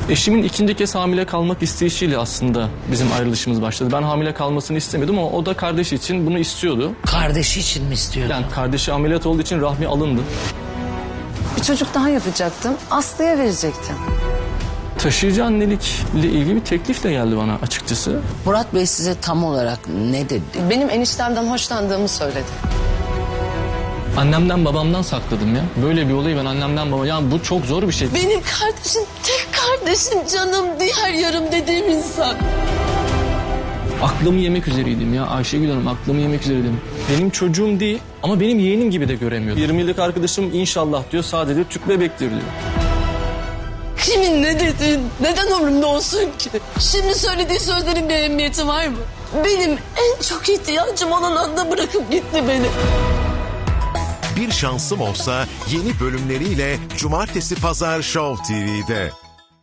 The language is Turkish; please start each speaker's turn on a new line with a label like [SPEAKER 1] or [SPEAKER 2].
[SPEAKER 1] Eşimin ikinci kez hamile kalmak isteyişiyle aslında bizim ayrılışımız başladı. Ben hamile kalmasını istemedim ama o da kardeşi için bunu istiyordu.
[SPEAKER 2] Kardeşi için mi istiyordu?
[SPEAKER 1] Yani kardeşi ameliyat olduğu için rahmi alındı.
[SPEAKER 3] Bir çocuk daha yapacaktım. Aslı'ya verecektim.
[SPEAKER 1] Taşıyıcı annelikle ilgili bir teklif de geldi bana açıkçası.
[SPEAKER 2] Murat Bey size tam olarak ne dedi?
[SPEAKER 3] Benim eniştemden hoşlandığımı söyledi.
[SPEAKER 1] Annemden babamdan sakladım ya. Böyle bir olayı ben annemden babamdan... Yani bu çok zor bir şey.
[SPEAKER 4] Benim kardeşim, tek kardeşim, canım, diğer yarım dediğim insan.
[SPEAKER 1] Aklımı yemek üzereydim ya Ayşegül Hanım, aklımı yemek üzereydim. Benim çocuğum değil ama benim yeğenim gibi de göremiyordu. 20 yıllık arkadaşım inşallah diyor, sadece tüp bebektir diyor.
[SPEAKER 4] Kimin ne dediğin neden umurumda olsun ki? Şimdi söylediği sözlerin bir ehemmiyeti var mı? Benim en çok ihtiyacım olan anda bırakıp gitti beni.
[SPEAKER 5] Bir Şansım Olsa yeni bölümleriyle Cumartesi Pazar Show TV'de.